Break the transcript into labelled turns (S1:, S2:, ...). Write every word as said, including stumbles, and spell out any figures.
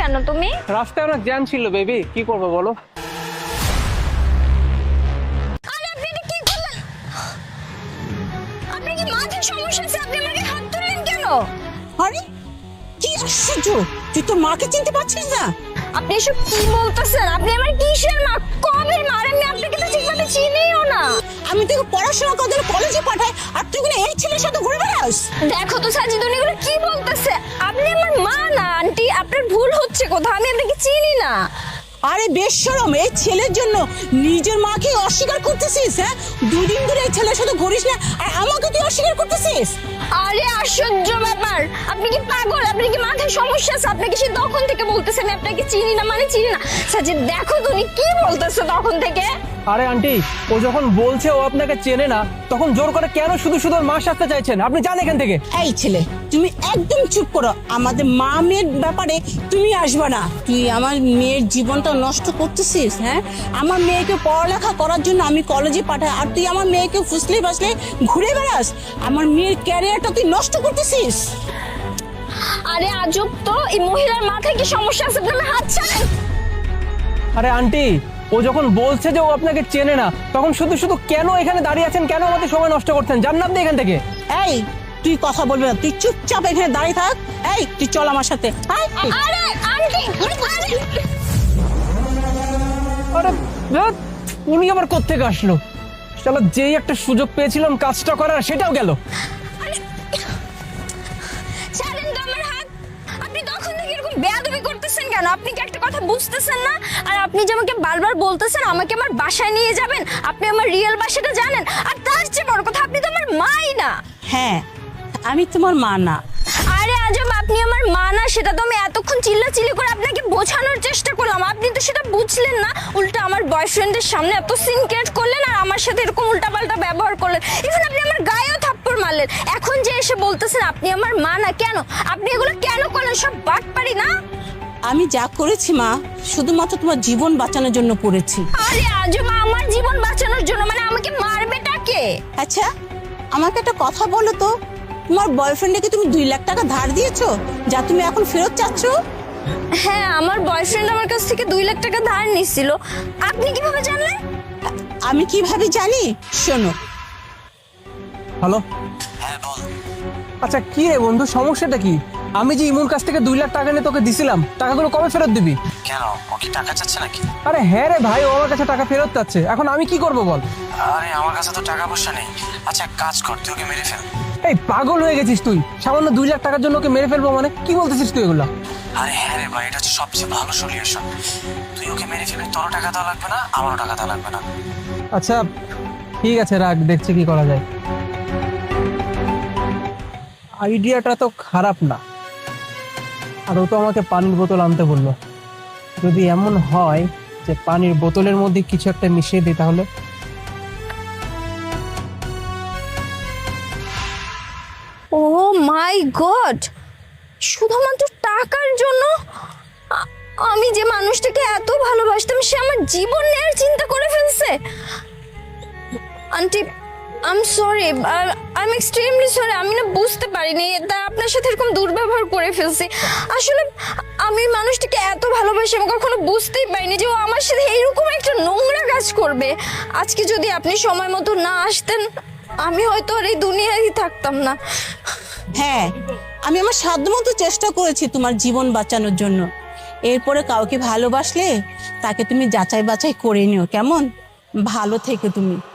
S1: কেন তুমি?
S2: রাস্তায় অনেক জ্যাম ছিল বেবি, কি করবো বলো?
S1: আরে আপনি এটা কি করলেন? আপনার কি মাথার সমস্যা আছে? আপনি আমাকে হাত ধরলেন কেন?
S3: আরে কি আশ্চর্য, তুই তোর মাকে চিনতে পারছিস না?
S1: আপনি এসব কি বলতেছেন? আপনি আমার কিসের মা? কবের মা? আর আমি আপনাকে তো ঠিকভাবে চিনিও না।
S3: আমি তোকে পড়াশোনা করতে কলেজে পাঠাই আর তুই কিনা এই ছেলের সাথে ঘুরে বেড়াস।
S1: দেখো তো সাজিদ, উনি এগুলো কি বলতেছে? আপনি আমার মা না আন্টি, আপনার ভুল হচ্ছে কোথাও, আমি আপনাকে চিনি না।
S3: আরে বেশরম, এই ছেলের জন্য নিজের মাকে অস্বীকার করতেছিস? হ্যাঁ, দুদিন ধরে এই ছেলের সাথে ঘুরিস না আর আমাকে তুই অস্বীকার করতেছিস?
S1: আরে আশ্চর্য ব্যাপার, আপনি কি পাগল? আপনি কি মাথায় সমস্যা আছে? আপনাকে সে তখন থেকে বলতেছে আমি আপনাকে চিনি না, মানে চিনি না। সাজিদ দেখো তো উনি কি বলতেছে তখন থেকে।
S2: আরে আন্টি, ও যখন বলছে ও আপনাকে চেনে না, তখন জোর করে কেন শুধু শুধু ওর মা সাজতে চাইছেন? আপনি যান এখান থেকে।
S3: এই ছেলে, তুমি একদম চুপ করো। আমাদের মা মেয়ের ব্যাপারে তুমি আসবে না। তুই আমার মেয়ের জীবনটা নষ্ট করতেছিস। হ্যাঁ, আমার মেয়েকে পড়ালেখা করার জন্য আমি কলেজে পাঠাই আর তুই আমার মেয়েকে ফুসলে বাসলে ঘুরে বেড়াস। আমার মেয়ের ক্যারিয়ারটা তুই নষ্ট করতেছিস।
S1: আরে আজব তো, এই মহিলার মাথায় কি সমস্যা আছে? আপনি হাত ছাড়েন।
S2: আরে আন্টি, ও যখন বলছে যে ও আপনাকে চেনে না, তখন শুধু শুধু কেন এখানে দাঁড়িয়ে আছেন? কেন আমাদের সময় নষ্ট করছেন? যান না আপনি এখান থেকে।
S3: এই তুই কথা বলবি না, তুই চুপচাপ এখানে দাঁড়িয়ে থাক। এই তুই চল আমার সাথে। আয়।
S1: আরে আন্টি, আরে
S2: আরে ধ্যাৎ, উনি আবার কোত্থেকে আসলো? চলো, যেই একটা সুযোগ পেয়েছিলাম কাজটা করার, সেটাও গেল।
S1: ছাড়েন তো আমার হাত। আপনি তখন থেকে এরকম বেয়াদবি করতেছেন কেন? আপনি কি একটা কথা বুঝতেছেন না? আর আপনি যে আমাকে বারবার বলতেছেন আমাকে আমার বাসায় নিয়ে যাবেন, আপনি আমার রিয়েল বাসাটা জানেন? আর তার চেয়ে বড় কথা, আপনি তো আমার মাই না।
S3: হ্যাঁ, আমি তোমার মা না।
S1: আরে আজব, আপনি আমার মা না সেটা তো আমি এতক্ষণ চিল্লাচিল্লি করে আপনাকে বোঝানোর চেষ্টা করলাম, আপনি তো সেটা বুঝলেন না। উল্টা আমার বয়ফ্রেন্ডের সামনে এত সিন ক্রিয়েট করলেন আর আমার সাথে এরকম উল্টাপাল্টা ব্যবহার করলেন। ইভেন আপনি আমার গায়েও থাপ্পড় মারলেন। এখন যে এসে বলতেছেন আপনি আমার মা না, কেন? আপনি এগুলো কেন করলেন? সব বাটপারি না?
S3: আমি যা করেছি মা, শুধুমাত্র তোমার জীবন বাঁচানোর জন্য করেছি।
S1: আরে আজব, আমার জীবন বাঁচানোর জন্য? মানে আমাকে মারবেটা কে?
S3: আচ্ছা, আমাকে একটা কথা বলো তো, তোমার বয়ফ্রেন্ডকে তুমি দুই লাখ টাকা ধার দিয়েছো যা তুমি এখন ফেরত চাচ্ছ?
S1: হ্যাঁ, আমার বয়ফ্রেন্ড আমার কাছ থেকে দুই লাখ টাকা ধার নিছিল। আপনি কিভাবে জানলেন?
S3: আমি কিভাবে জানি? শোনো।
S2: হ্যালো।
S4: হ্যাঁ বল।
S2: আচ্ছা কি রে বন্ধু, সমস্যাটা কি? আমি যে ইমুর কাছ থেকে দুই লাখ টাকা নিয়ে তোকে দিছিলাম, টাকাগুলো কবে ফেরত দিবি?
S4: কেন, ও কি টাকা চাচ্ছে নাকি?
S2: আরে হ্যাঁ রে ভাই, ও আমার কাছে টাকা ফেরত চাচ্ছে। এখন আমি কি করব বল?
S4: আরে আমার কাছে তো টাকা পয়সা নেই। আচ্ছা এক কাজ কর, তুই ওকে মেরে ফেল।
S2: এই পাগল হয়ে গেছিস তুই? সামান্য দুই লাখ টাকার জন্য ওকে মেরে ফেলবো মানে? কি বলতেছিস তুই এগুলা?
S4: আরে হ্যাঁ রে ভাই, এটা হচ্ছে সবচেয়ে ভালো সলিউশন। তুই ওকে মেরে ফেলবি, তোরও টাকা দেওয়া লাগবে না, আমারও টাকা দেওয়া লাগবে না।
S2: আচ্ছা ঠিক আছে, রাখ, দেখছি কি করা যায়। আইডিয়াটা তো খারাপ না। আর ও তো আমাকে পানির বোতল আনতে বললো। যদি এমন হয় যে পানির বোতলের মধ্যে কিছু একটা মিশিয়ে দিই, তাহলে
S1: ও মাই গড, শুধুমাত্র টাকার জন্য আ- আমি যে মানুষটাকে এত ভালোবাসতাম সে আমার জীবন নেওয়ার চিন্তা করে ফেলছে। Aunty, I am sorry, I am extremely sorry. আমি না বুঝতে পারিনি, তা আপনার সাথে এরকম দুর্ব্যবহার করে ফেলছি। আসলে আমি মানুষটাকে এত ভালোবাসি, আমি কখনো বুঝতেই পারিনি যে ও আমার সাথে এইরকম একটা নোংরা কাজ করবে। আজকে যদি আপনি সময় মতো না আসতেন, আমি হয়তো আর এই দুনিয়ায় থাকতাম না।
S3: হ্যাঁ, আমি আমার সাধ্যমতো চেষ্টা করেছি তোমার জীবন বাঁচানোর জন্য। এরপরে কাউকে ভালোবাসলে তাকে তুমি যাচাই বাছাই করে নিও, কেমন? ভালো থেকে তুমি।